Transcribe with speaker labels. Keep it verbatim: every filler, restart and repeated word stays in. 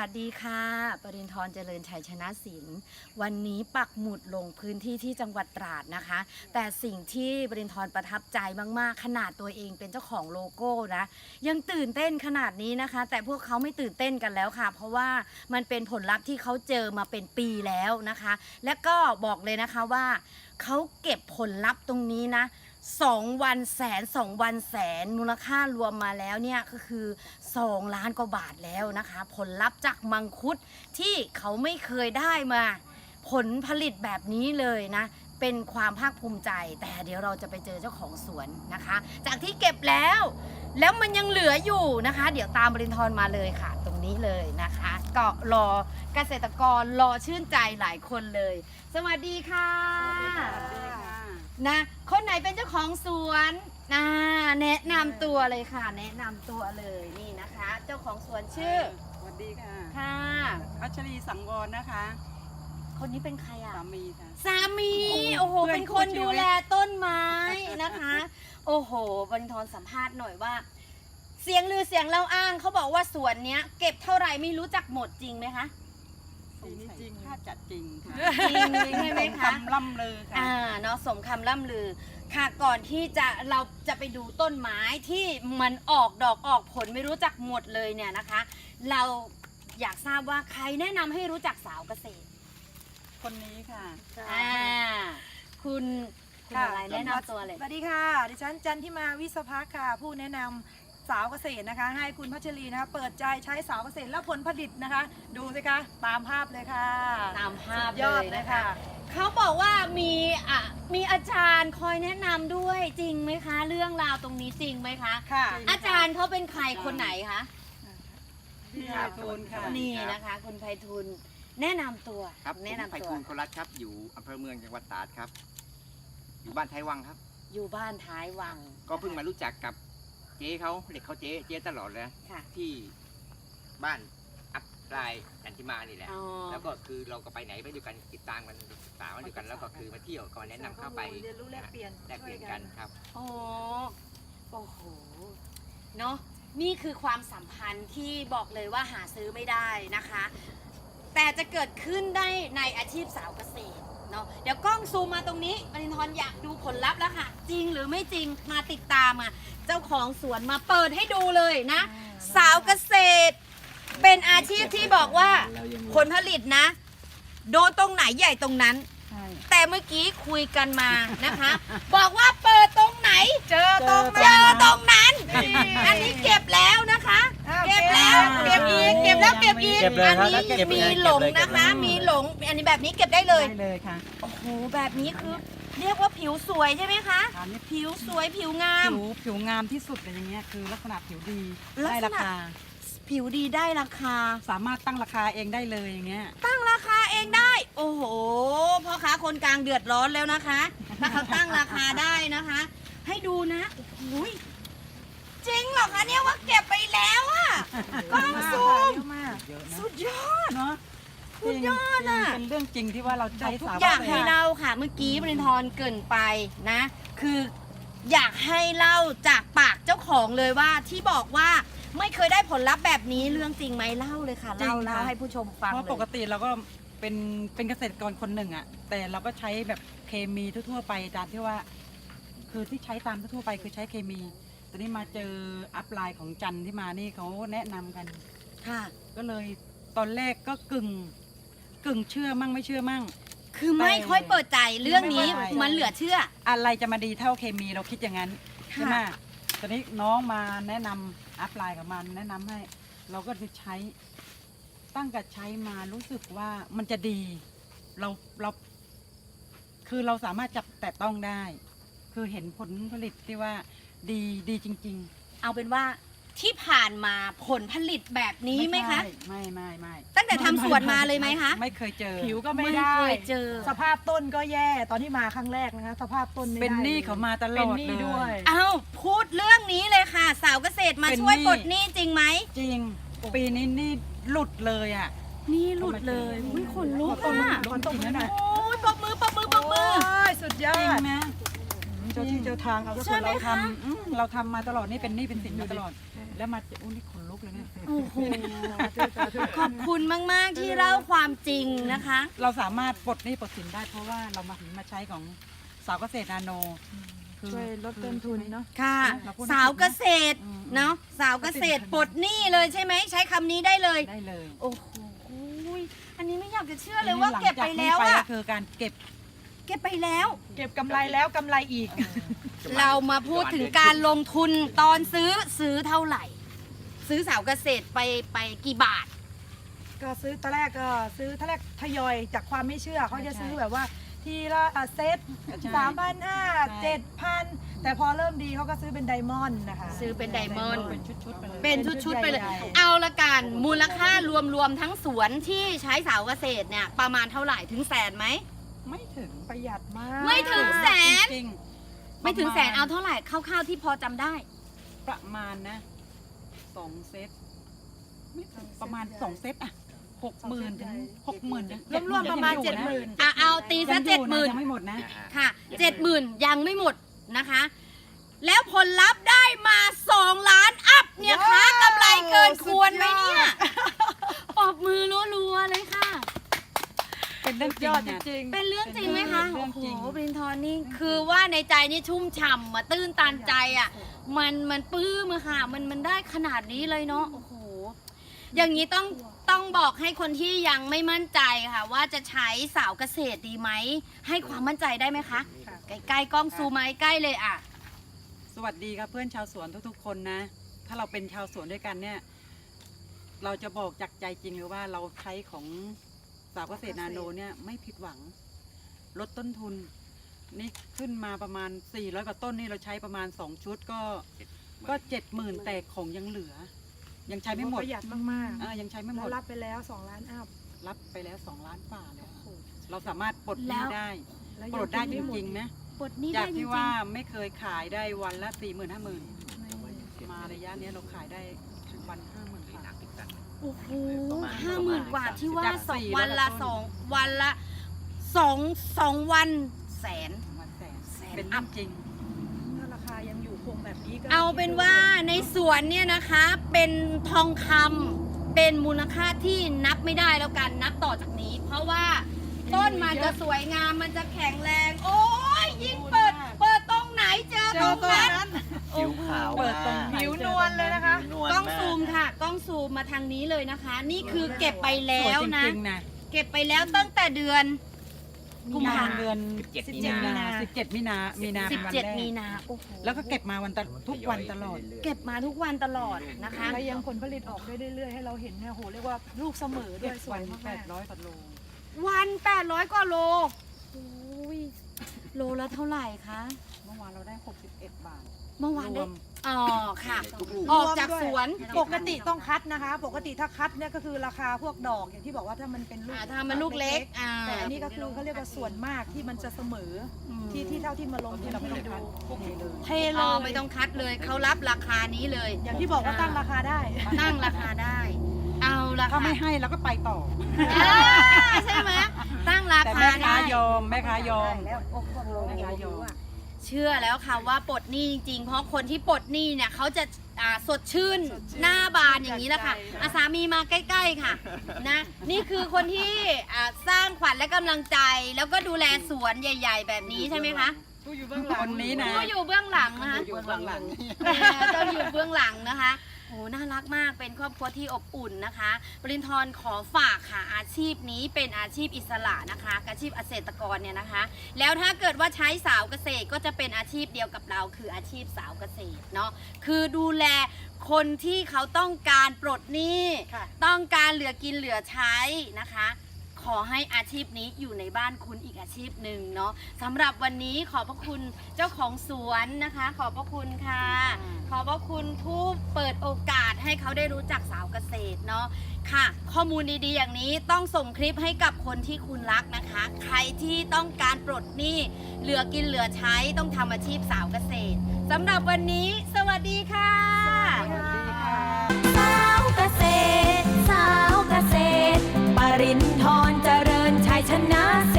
Speaker 1: วัสดีค่ะปรินทร์เจริญชัยชนะศิลป์วันนี้ปักหมุดลงพื้นที่ที่จังหวัดตราดนะคะ แต่สิ่งที่ปรินทร์ประทับใจมากๆขนาดตัวเองเป็นเจ้าของโลโก้นะยังตื่นเต้นขนาดนี้นะคะแต่พวกเขาไม่ตื่นเต้นกันแล้วค่ะเพราะว่ามันเป็นผลลัพธ์ที่เขาเจอมาเป็นปีแล้วนะคะและก็บอกเลยนะคะว่าเขาเก็บผลลัพธ์ตรงนี้นะสองวันแสนสองวันแสนมูลค่ารวมมาแล้วเนี่ยก็คือสองล้านกว่าบาทแล้วนะคะผลลัพธ์จากมังคุดที่เขาไม่เคยได้มาผลผลิตแบบนี้เลยนะเป็นความภาคภูมิใจแต่เดี๋ยวเราจะไปเจอเจ้าของสวนนะคะจากที่เก็บแล้วแล้วมันยังเหลืออยู่นะคะเดี๋ยวตามบรินทร์มาเลยค่ะตรงนี้เลยนะคะก็รอเกษตรกรรอชื่นใจหลายคนเลยสวัสดีค่ะนะคนไหนเป็นเจ้าของสวนนะแนะนำตัวเลยค่ะแนะนำตัวเลยนี่นะคะเจ้าของสวนชื่อ
Speaker 2: สวัสดีค่ะ
Speaker 1: ค่ะ
Speaker 2: พัชรีสังวรนะคะ
Speaker 1: คนนี้เป็นใครอ่ะ
Speaker 2: สามีค่ะ
Speaker 1: สามีโอ้โห
Speaker 2: เพื่อน
Speaker 1: เป็นคน
Speaker 2: คู่ชีวิต
Speaker 1: ดูแลต้นไม้นะคะ โอ้โหบรรทรสัมภาษณ์หน่อยว่า เสียงลือเสียงเล่าอ้างเขาบอกว่าสวนเนี้ย เก็บเท่าไหร่ไม่รู้จักหมดจริงไหมคะ
Speaker 2: ปีนี้จริงค่าจัดจริงค่ะ
Speaker 1: จริงใช่ไหมคะ
Speaker 2: คำล่ำลือค่ะ
Speaker 1: อ่าเนาะสมคำล่ำลือค่ะก่อนที่จะเราจะไปดูต้นไม้ที่มันออกดอกออกผลไม่รู้จักหมดเลยเนี่ยนะคะ เราอยากทราบว่าใครแนะนำให้รู้จักสาวเกษตร
Speaker 2: คนนี้ค่ะ
Speaker 1: อ่าคุณคุณอะไรแนะนำตัวเลย
Speaker 3: สวัสดีค่ะ ดิฉันจันทิมาวิศพักค่ะ ผู้แนะนำสาวเกษตรนะคะ ให้คุณพัชรีนะคะเปิดใจใช้สาวเกษตรแล้วผลผลิตนะคะ ดูสิคะตามภาพเลยค่ะ
Speaker 1: ตามภาพ
Speaker 3: สุดยอด
Speaker 1: เลย
Speaker 3: เลย
Speaker 1: นะคะ
Speaker 3: ค่ะ
Speaker 1: เขาบอกว่ามีอ่ะมีอาจารย์คอยแนะนำด้วยจริงไหมคะ เรื่องราวตรงนี้จริงไหมคะ
Speaker 3: ค่ะ
Speaker 1: อาจารย์เขาเป็นใครคนไหนคะ
Speaker 2: พี่ไพฑูรย์ค่ะ
Speaker 1: นี่นะคะ คุณไพฑูรย์แนะนำตัว
Speaker 4: ครับผม
Speaker 1: แนะนำ
Speaker 4: ไพ
Speaker 1: ตัว
Speaker 4: ฑูรย์โครัตครับ อยู่อำเภอเมืองจังหวัดตราดครับ อยู่บ้านไทยวังครับ
Speaker 1: อยู่บ้านท้ายวัง
Speaker 4: ก็เพิ่งมารู้จักกับเจ๊เขาเรียกเขาเจ๊เจ๊ตลอดเลย
Speaker 1: ค่ะ
Speaker 4: ที่บ้านอัพไลน์จันทิมานี่แหละ
Speaker 1: อ๋อ
Speaker 4: แล้วก็คือเราก็ไปไหนไปด้วยกันติดตามกันศึกษากันด้วยกัน แล้วก็คือมาเที่ยวก็มาแนะนำเข้าไป
Speaker 3: เรียนรู้แลกเปลี่ยน
Speaker 4: แลกเปลี่ยนกันครับ
Speaker 1: โอ้โอ้โหเนาะนี่คือความสัมพันธ์ที่บอกเลยว่าหาซื้อไม่ได้นะคะ แต่จะเกิดขึ้นได้ในอาชีพสาวเกษตรเนาะเดี๋ยวกล้องซูมมาตรงนี้ปรินทร์อยากดูผลลัพธ์แล้วค่ะ จริงหรือไม่จริงมาติดตามอ่ะเจ้าของสวนมาเปิดให้ดูเลยนะ สาวเกษตร เป็นอาชีพที่บอกว่าผลผลิตนะ โดนตรงไหนใหญ่ตรงนั้น แต่เมื่อกี้คุยกันมานะคะ บอกว่าเปิดตรงไหน เจอตรงเจอตรงนั้น อันนี้เก็บแล้วนะคะ เก็บแล้วเก็บอีกเก็บแล้วเก็บอีก
Speaker 5: เก็บเลย
Speaker 1: อั
Speaker 5: ครับ
Speaker 1: นี้
Speaker 5: เก็บเลย
Speaker 1: มีหลง
Speaker 5: เก็บเลย
Speaker 1: นะคะ
Speaker 5: เก็บเลย
Speaker 1: มีหลงอันนี้แบบนี้เก็บได้เลย
Speaker 2: ได้เลยค่ะ
Speaker 1: โอ้โหแบบนี้คือเรียกว่าผิวสวยใช่ไหมคะ
Speaker 2: อันนี้
Speaker 1: ผิวสวยผิวงาม
Speaker 2: ผิวผิวงามที่สุดเลยอย่างเงี้ยคือลักษณะผิวดี
Speaker 1: ลัก
Speaker 2: ได้
Speaker 1: ษณะ
Speaker 2: ราคา
Speaker 1: ผิวดีได้ราคา
Speaker 2: สามารถตั้งราคาเองได้เลยอย่างเงี้ย
Speaker 1: ตั้งราคาเองได้ โอ้โหพ่อค้าคนกลางเดือดร้อนแล้วนะคะ ถ้าเขาตั้งราคาได้นะคะ ให้ดูนะโอ้โหจริงเหรอคะเนี่ยว่าเก็บไปแล้วอะกล้องซูม
Speaker 2: เยอะมาก
Speaker 1: สุดยอด
Speaker 2: เนาะ
Speaker 1: สุดยอดอะ
Speaker 2: จริงๆเป็นเรื่องจริงที่ว่าเราใช้
Speaker 1: ทุก
Speaker 2: สาว
Speaker 1: อย่าง
Speaker 2: เกษ
Speaker 1: ให้
Speaker 2: ตร
Speaker 1: เล่าค่ะ เมื่อกี้บรินทร์เกรินไปนะ คืออยากให้เล่าจากปากเจ้าของเลยว่าที่บอกว่าไม่เคยได้ผลลัพธ์แบบนี้เรื่องจริงไหมเล่าเลยค่ะเล่าเล่าให้ผู้ชมฟัง
Speaker 2: เพราะ
Speaker 1: เลย
Speaker 2: ปกติเราก็เป็นเป็นเกษตรกรคนหนึ่งอะแต่เราก็ใช้แบบเคมีทั่วๆไปตามที่ว่า คือที่ใช้ตามทั่วๆไปคือใช้เคมีตอนนี้มาเจออัพไลน์ของจันที่มานี่เขาแนะนำกัน
Speaker 1: ค่ะ
Speaker 2: ก็เลยตอนแรกก็กึ่งกึ่งเชื่อมั่งไม่เชื่อมั่ง
Speaker 1: คือไม่ค่อยเปิดใจเรื่องนี้
Speaker 2: ไม่ค่อย
Speaker 1: มันเหลือเชื่อ
Speaker 2: อะไรจะมาดีเท่าเคมีเราคิดอย่างนั้น
Speaker 1: ค่ะ
Speaker 2: ใช่ไหมตอนนี้น้องมาแนะนำอัพไลน์กับมันแนะนำให้ เราก็จะใช้ ตั้งแต่ใช้มารู้สึกว่ามันจะดี เราเรา คือเราสามารถจับแต่ต้องได้ คือเห็นผลผลิตที่ว่าดีดีจริง
Speaker 1: เอาเป็นว่าที่ผ่านมาผลผลิตแบบ
Speaker 2: ๆ
Speaker 1: นี้ไหมคะ
Speaker 2: ใช่ไม่ไม่ไม่
Speaker 1: ตั้งแต่ทำสวนมาเลยไหมคะ
Speaker 2: ไม่เคยเจอ
Speaker 3: ผิวก็ไม่ได้
Speaker 1: เคยเจอ
Speaker 3: สภาพต้นก็แย่ตอนที่มาครั้งแรกนะคะ สภาพต้นไม่ได้
Speaker 2: เป็นหนี้เขามาตล
Speaker 3: เป็น
Speaker 2: อด
Speaker 3: หนี้
Speaker 2: เลย
Speaker 3: ด้วย
Speaker 1: เอาพูดเรื่องนี้เลยค่ะ สาวเกษตรมา
Speaker 2: เป็น
Speaker 1: ช่วย
Speaker 2: หนี้
Speaker 1: ปลดหนี้จริงไหม
Speaker 2: จริง ปีนี้นี่หลุดเลยอ่ะ
Speaker 1: นี่หลุดเลยอุ้ยขนลุก
Speaker 2: ขนลุ
Speaker 1: อ่ะ
Speaker 2: ก ขนลุกจริงนะ
Speaker 1: โอ้ยปรบมือปรบมือปรบมือ
Speaker 3: โอ้ยสุดยอ
Speaker 2: จริง
Speaker 3: ด
Speaker 2: นะ
Speaker 3: เจ้าที่เจ้าทางเอา
Speaker 2: ส่วนเราทำอืมเราทำมาตลอดนี่เป็นหนี่เป็นสินมาตลอด แล้วมาอุ้นี่ขนลุกเลยเนี่ย
Speaker 1: โอ้โหขอบคุณมากๆที่เล่าความจริงนะคะ
Speaker 2: เราสามารถปลดหนี้ปลดสินได้เพราะว่าเรามาถึงมาใช้ของสาวเกษตรนาโนคือ
Speaker 3: ช่วยลดต้นทุนเนาะ
Speaker 1: ค่ะ
Speaker 2: เราพูด
Speaker 1: สาวเกษตร
Speaker 2: อืม
Speaker 1: เนาะสาวเกษตรปลดหนี้เลยใช่ไหมใช้คำนี้ได้เลย
Speaker 2: ได้เลย
Speaker 1: โอ้โหอันนี้ไม่อยากจะเชื่อเลยว่าเก็บไปแล้ว
Speaker 2: หงจากนี้
Speaker 1: อะ
Speaker 2: ก็คือการเก็บ
Speaker 1: เก็บไปแล้ว
Speaker 3: เก็บกำไรแล้วกำไรอีก
Speaker 1: เรามาพูดถึงการลงทุนตอนซื้อซื้อเท่าไหร่ ซื้อสาวเกษตรไปไปกี่บาท
Speaker 3: ก็ซื้อตอนแรกก็ซื้อตอนแรกทยอยจากความไม่เชื่อเขาจะซื้อแบบว่าทีละอ่ะเซต
Speaker 2: ใช่
Speaker 3: สามพันห้า
Speaker 2: ใช่
Speaker 3: เจ็ดพันแต่พอเริ่มดีเขาก็ซื้อเป็นไดมอนด์นะคะ
Speaker 1: ซื้อเป็นไดมอนด์
Speaker 2: เป็นชุดๆไปเลย
Speaker 1: เป็นชุดๆไปเลย
Speaker 3: ใหญ่ๆ
Speaker 1: เอาละกันมูลค่ารวมๆทั้งสวนที่ใช้สาวเกษตรเนี่ยประมาณเท่าไหร่ถึงแสนไหม
Speaker 2: ไม่ถึง
Speaker 3: ประหยัดมาก
Speaker 1: ไม่ถึงแสน
Speaker 2: จริงๆ
Speaker 1: ไม่ถึงแสน
Speaker 2: ประ
Speaker 1: เอา
Speaker 2: มาณ
Speaker 1: เท่าไหร่คร่าวๆที่พอจำได้
Speaker 2: ประมาณนะสองเซตไม่ถึงประมาณสองเซตอะหกหมื่นถึงหกหมื่น
Speaker 3: รวมๆประมาณเจ็ดหมื่น
Speaker 1: อ่ะเอาตีซะเจ็ดหมื่น
Speaker 2: ยังไม่หมดนะ
Speaker 1: ค่ะเจ็ดหมื่นยังไม่หมดนะคะ แล้วผลลัพธ์ได้มาสองล้านอัพเนี่ยค่ะ
Speaker 3: ว้าว
Speaker 1: กำไรเกินควรไหม
Speaker 3: สุดยอด
Speaker 1: เนี่ยปรบมือรัวๆเลยค่ะ
Speaker 2: เป็นเรื่องจริ
Speaker 3: ย
Speaker 2: ง
Speaker 3: อดจ
Speaker 2: เนี่ย
Speaker 3: ริง
Speaker 1: เป็นเรื่องจริงไหมคะ
Speaker 2: เป็นเรื่
Speaker 1: โอ้
Speaker 2: อง
Speaker 1: โห
Speaker 2: จริง
Speaker 1: บรินทร์นี่คือว่าในใจนี่ชุ่มฉ่ำมาตื้นตันใจอ่ะ มันมันปลื้มอะค่ะ มันมันได้ขนาดนี้เลยเนาะโอ้โหอย่างนี้ต้องต้องบอกให้คนที่ยังไม่มั่นใจค่ะ ว่าจะใช้สาวเกษตรดีไหมให้ความมั่นใจได้ไหมคะ
Speaker 3: ค่ะ
Speaker 1: ใกล้ๆกล้องซูมมาใกล้ๆเลยอ่ะ
Speaker 2: สวัสดีครับเพื่อนชาวสวนทุกๆ คนนะ ถ้าเราเป็นชาวสวนด้วยกันเนี่ย เราจะบอกจากใจจริงเลยว่าเราใช้ของสาวเกษตรนาโนเนี่ยไม่ผิดหวัง ลดต้นทุน นี่ขึ้นมาประมาณสี่ร้อยกว่าต้นนี่เราใช้ประมาณสองชุดก็ก็เจ็ดหมื่นแต่ของยังเหลือ ยังใช้ไม่หมด
Speaker 3: ประหยัดมาก
Speaker 2: อ่ายังใช้ไม่
Speaker 3: ๆ
Speaker 2: หม
Speaker 3: แล้ว
Speaker 2: ด
Speaker 3: รับไปแล้วสองล้านอัพ
Speaker 2: รับไปแล้วสองล้านฝ่าแล้วเราสามารถปลดห
Speaker 1: แล้
Speaker 2: นี้
Speaker 1: ว
Speaker 2: ได้
Speaker 3: แล้ว
Speaker 2: ปลดได้จริงๆนะ
Speaker 1: ปลดหนี้
Speaker 2: จา
Speaker 1: ได้
Speaker 2: ก
Speaker 1: จริ
Speaker 2: ที่
Speaker 1: ง
Speaker 2: ว่าไม่เคยขายได้วันละสี่หมื่นห้าหมื่นมาระยะเนี้ยเราขายได้วันห้าหมื่น
Speaker 4: หนั
Speaker 2: บาท
Speaker 4: กติดกัน
Speaker 1: ๆโอ้โห
Speaker 4: ประมาณ
Speaker 1: ห้าหมื่นกว่าที่ว่า
Speaker 2: จาก
Speaker 1: สอง
Speaker 2: สี่
Speaker 1: วันละ
Speaker 2: แล้วก็
Speaker 1: สองวันละสองสองวันแสน
Speaker 2: วันแสน
Speaker 1: แสน
Speaker 2: เป็น
Speaker 1: อั
Speaker 2: เรื่อ
Speaker 1: พ
Speaker 2: งจริง
Speaker 3: ถ้าราคายังอยู่คงแบบนี้ก็
Speaker 1: เอาเป็นว่าในสวนเนี่ยนะคะเป็นทองคำเป็นมูลค่าที่นับไม่ได้แล้วกันนับต่อจากนี้ เพราะว่าต้นมันจะสวยงามมันจะแข็งแรง โอ้ยยิ่งเปิด เปิดตรงไหนเจอ
Speaker 3: เจ
Speaker 1: ตร
Speaker 3: อง ตัว
Speaker 1: นั้น
Speaker 3: นั้น
Speaker 5: ผิวขาว
Speaker 2: เปิดตรง
Speaker 5: มาก
Speaker 3: ผิวนวลเลยนะคะ
Speaker 5: ผิวนวล
Speaker 1: กล้อง
Speaker 5: มาก
Speaker 1: ซูมค่ะกล้องซูมมาทางนี้เลยนะคะ นี่คือเก็บไปแล้
Speaker 2: สวยว
Speaker 1: นะ
Speaker 2: จริงๆนะ
Speaker 1: เก็บไปแล้วตั้งแต่เดือนกุมภา
Speaker 2: เดือน
Speaker 4: เจ็ด
Speaker 3: สิบ
Speaker 4: มี
Speaker 3: เจ็ด
Speaker 4: นา
Speaker 3: มีนา
Speaker 2: สิบเจ็ดมีนามีนา
Speaker 1: สิบ
Speaker 2: เป็นวัน
Speaker 1: เจ็ด
Speaker 2: แรก
Speaker 1: มีนาโอ้โห
Speaker 2: แล้วก็เก็บมาวันตะทุกวันตลอด
Speaker 1: เก็บมาทุกวันตลอดนะคะ
Speaker 3: แล้วยังผลผลิตออกได้เรื่อยๆให้เราเห็นเนี่ยโหเรียกว่าลูกเสมอด้
Speaker 2: เก็
Speaker 3: วย
Speaker 2: บ
Speaker 3: สว
Speaker 2: วั
Speaker 3: ย
Speaker 2: น
Speaker 3: มา
Speaker 2: แปด
Speaker 3: ก
Speaker 2: ร้อยกว่าโล
Speaker 1: วันแปดร้อยกว่าโลโอ้ยโลละเท่าไหร่คะ
Speaker 2: เมื่อวานเราได้หกสิบเอ็ดบาท
Speaker 1: เมื่อวาน
Speaker 2: ร
Speaker 1: ได้
Speaker 2: วม
Speaker 1: อ๋อค่ะ
Speaker 5: ทุกลูก
Speaker 1: ออกจากสวน
Speaker 3: ปกติต้องคัดนะคะ ปกติถ้าคัดเนี่ยก็คือราคาพวกดอกอย่างที่บอกว่าถ้ามันเป็นลูก
Speaker 1: อ่าถ้ามันลูกเล็กอ่า
Speaker 3: แต่อันนี้ก็คือเขาเรียกว่าส่วนมากที่มันจะเสมอ
Speaker 1: อืม
Speaker 3: ที่ที่เท่าที่มาลง
Speaker 2: ตอน
Speaker 3: ที่
Speaker 2: นี้
Speaker 3: เรา
Speaker 2: เรา
Speaker 3: ไม่
Speaker 2: ไม่
Speaker 3: ได้
Speaker 2: ได้
Speaker 3: ดู
Speaker 2: คัดเทเลย
Speaker 3: เทเล
Speaker 1: อ๋อย ไม่ต้องคัดเลยเขารับราคานี้เลย
Speaker 3: อย่างที่บอกว่าตั้งราคาได้
Speaker 1: ตั้งราคาได้ เอาละ
Speaker 2: ถ้า
Speaker 1: ค่ะ
Speaker 2: ไม่ให้เราก็ไปต่อ
Speaker 1: อ่าใช่ไหมตั้งรา
Speaker 2: แต่
Speaker 1: คา
Speaker 2: แม่ค้า
Speaker 1: ได้
Speaker 2: ยอมแม่ค้ายอม
Speaker 3: แล้วโอ้โห
Speaker 2: แม่ค้ายอม
Speaker 1: เชื่อแล้วค่ะว่าปลดหนี้จริงๆ เพราะคนที่ปลดหนี้เนี่ยเขาจะอ่าสดชื่นหน้าบานอย่างนี้แหละค่ะอาสามีมาใกล้ๆค่ะนะนี่คือคนที่อ่าสร้างขวัญและกำลังใจ แล้วก็ดูแลสวนใหญ่ ๆ แบบนี้ใช่ไหมคะ
Speaker 2: คนนี้นะ
Speaker 1: ผู้อยู่เบื้องหลังนะคะ
Speaker 2: อยู่เบื้องหลัง
Speaker 1: แหมต้องอยู่เบื้องหลังนะคะโอ้น่ารักมากเป็นครอบครัวที่อบอุ่นนะคะปรินทร์ขอฝากค่ะอาชีพนี้เป็นอาชีพอิสระนะคะอาชีพเกษตรกรเนี่ยนะคะ แล้วถ้าเกิดว่าใช้สาวเกษตรก็จะเป็นอาชีพเดียวกับเรา คืออาชีพสาวเกษตรเนาะคือดูแลคนที่เขาต้องการปลดหนี้
Speaker 3: ค่ะ
Speaker 1: ต้องการเหลือกินเหลือใช้นะคะ ขอให้อาชีพนี้อยู่ในบ้านคุณอีกอาชีพหนึ่งเนาะสำหรับวันนี้ขอบพระคุณเจ้าของสวนนะคะ ขอบพระคุณค่ะ ขอบพระคุณผู้เปิดโอกาสให้เขาได้รู้จักสาวเกษตรเนาะค่ะ ข้อมูลดีๆอย่างนี้ต้องส่งคลิปให้กับคนที่คุณรักนะคะ ใครที่ต้องการปลดหนี้เหลือกินเหลือใช้ต้องทำอาชีพสาวเกษตรสำหรับวันนี้ สวัสดีค่ะ
Speaker 2: สวัสดีค่ะ
Speaker 6: สาวเกษตร สาวเกษตร ปรินทร์เจริญชัยชนะ